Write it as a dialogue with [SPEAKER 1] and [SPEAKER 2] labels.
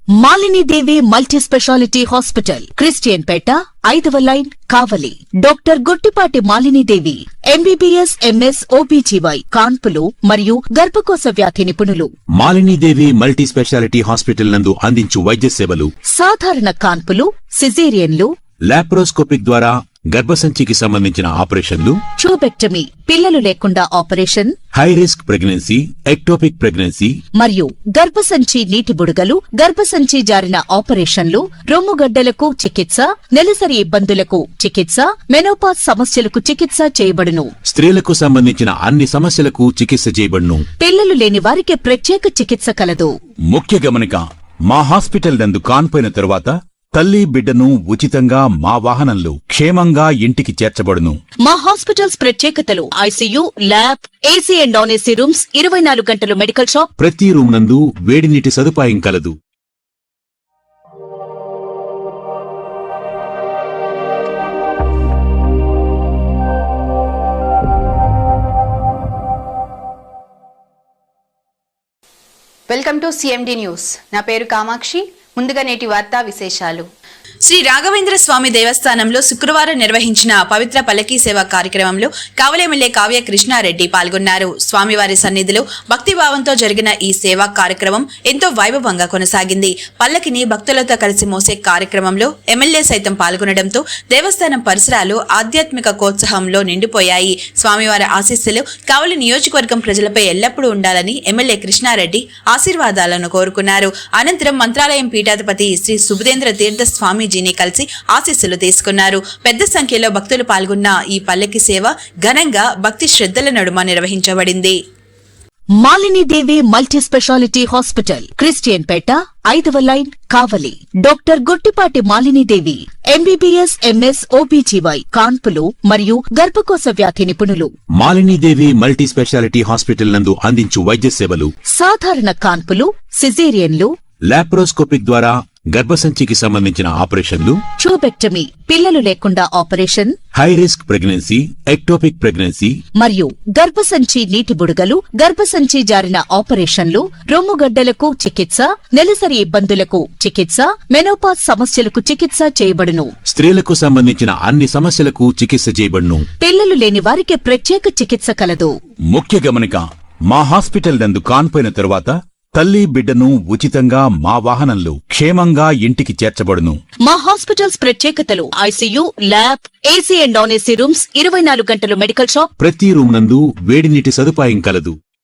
[SPEAKER 1] Malini Devi multi specialty hospital, Christian Peta, 5వ line, Kavali. Doctor Guttipati Malini Devi, MBBS, MS, OBGY, కాన్పులు మరియు గర్భకోశ వ్యాధి నిపుణులు.
[SPEAKER 2] Malini Devi multi specialty hospital నందు అందించు వైద్య సేవలు:
[SPEAKER 1] సాధారణ కాన్పులు, సిజేరియన్లు,
[SPEAKER 2] లాప్రోస్కోపిక్ ద్వారా గర్భసంచికి సంబంధించిన ఆపరేషన్లు,
[SPEAKER 1] ట్యూబెక్టమీ, పిల్లలు లేకుండా operation,
[SPEAKER 2] high risk pregnancy, ectopic pregnancy
[SPEAKER 1] మరియు గర్భసంచి నీటి బుడగలు, గర్భసంచి జారిన ఆపరేషన్లు, రొమ్ముగడ్డలకు చికిత్స, నెలసరి ఇబ్బందులకు చికిత్స, మెనోపాజ్ సమస్యలకు చికిత్స చేయబడును.
[SPEAKER 2] స్త్రీలకు సంబంధించిన అన్ని సమస్యలకు చికిత్స చేయబడును.
[SPEAKER 1] పిల్లలు లేని వారికి ప్రత్యేక చికిత్స కలదు.
[SPEAKER 2] ముఖ్య గమనిక: మా హాస్పిటల్ నందు కాన్పోయిన తరువాత తల్లి బిడ్డను ఉచితంగా మా వాహనంలో క్షేమంగా ఇంటికి చేర్చబడును.
[SPEAKER 1] మా హాస్పిటల్స్ ప్రత్యేకతలు: ICU, lab, AC and non AC rooms, 24 గంటలు మెడికల్ షాప్,
[SPEAKER 2] ప్రతి రూమ్ నందు వేడి నీటి సదుపాయం కలదు.
[SPEAKER 3] Welcome to CMD news. నా పేరు కామాక్షి. ముందుగా నేటి వార్తా విశేషాలు.
[SPEAKER 4] శ్రీ రాఘవేంద్ర స్వామి దేవస్థానంలో శుక్రవారం నిర్వహించిన పవిత్ర పల్లకీ సేవ కార్యక్రమంలో కావలి ఎమ్మెల్యే కావ్య కృష్ణారెడ్డి పాల్గొన్నారు. స్వామివారి సన్నిధిలో భక్తిభావంతో జరిగిన ఈ సేవా కార్యక్రమం ఎంతో వైభవంగా కొనసాగింది. పల్లకిని భక్తులతో కలిసి మోసే కార్యక్రమంలో ఎమ్మెల్యే సైతం పాల్గొనడంతో దేవస్థానం పరిసరాలు ఆధ్యాత్మిక కోత్సాహంలో నిండిపోయాయి. స్వామివారి ఆశీస్సులు కావలి నియోజకవర్గం ప్రజలపై ఎల్లప్పుడూ ఉండాలని ఎమ్మెల్యే కృష్ణారెడ్డి ఆశీర్వాదాలను కోరుకున్నారు. అనంతరం మంత్రాలయం పీఠాధిపతి శ్రీ సుబుధేంద్ర తీర్థ స్వామి జీని కలిసి ఆశీస్సులు తీసుకున్నారు. పెద్ద సంఖ్యలో భక్తులు పాల్గొన్న ఈ పల్లకి సేవ ఘనంగా భక్తి శ్రద్ధల నడుమ నిర్వహించబడింది.
[SPEAKER 1] Malini Devi multi specialty hospital, Christian Peta, 5వ line, Kavali. Doctor Guttipati Malini Devi, MBBS, MS, OBGY, కాన్పులు మరియు గర్భకోశ వ్యాధి నిపుణులు.
[SPEAKER 2] Malini Devi multi specialty hospital నందు అందించు వైద్య సేవలు:
[SPEAKER 1] సాధారణ కాన్పులు, సిజేరియన్లు,
[SPEAKER 2] లాప్రోస్కోపిక్ ద్వారా గర్భసంచికి సంబంధించిన ఆపరేషన్లు,
[SPEAKER 1] ట్యూబెక్టమీ, పిల్లలు లేకుండా operation,
[SPEAKER 2] high risk pregnancy, ectopic pregnancy
[SPEAKER 1] మరియు గర్భసంచి నీటి బుడగలు, గర్భసంచి జారిన ఆపరేషన్లు, రొమ్ముగడ్డలకు చికిత్స, నెలసరి ఇబ్బందులకు చికిత్స, మెనోపాజ్ సమస్యలకు చికిత్స చేయబడును.
[SPEAKER 2] స్త్రీలకు సంబంధించిన అన్ని సమస్యలకు చికిత్స చేయబడును.
[SPEAKER 1] పిల్లలు లేని వారికి ప్రత్యేక చికిత్స కలదు.
[SPEAKER 2] ముఖ్య గమనిక: మా హాస్పిటల్ నందు కాన్పోయిన తరువాత తల్లి బిడ్డను ఉచితంగా మా వాహనంలో క్షేమంగా ఇంటికి చేర్చబడును.
[SPEAKER 1] మా హాస్పిటల్స్ ప్రత్యేకతలు: ICU, lab, AC and non AC rooms, 24 గంటలు మెడికల్ షాప్,
[SPEAKER 2] ప్రతి రూమ్ నందు వేడి నీటి సదుపాయం కలదు.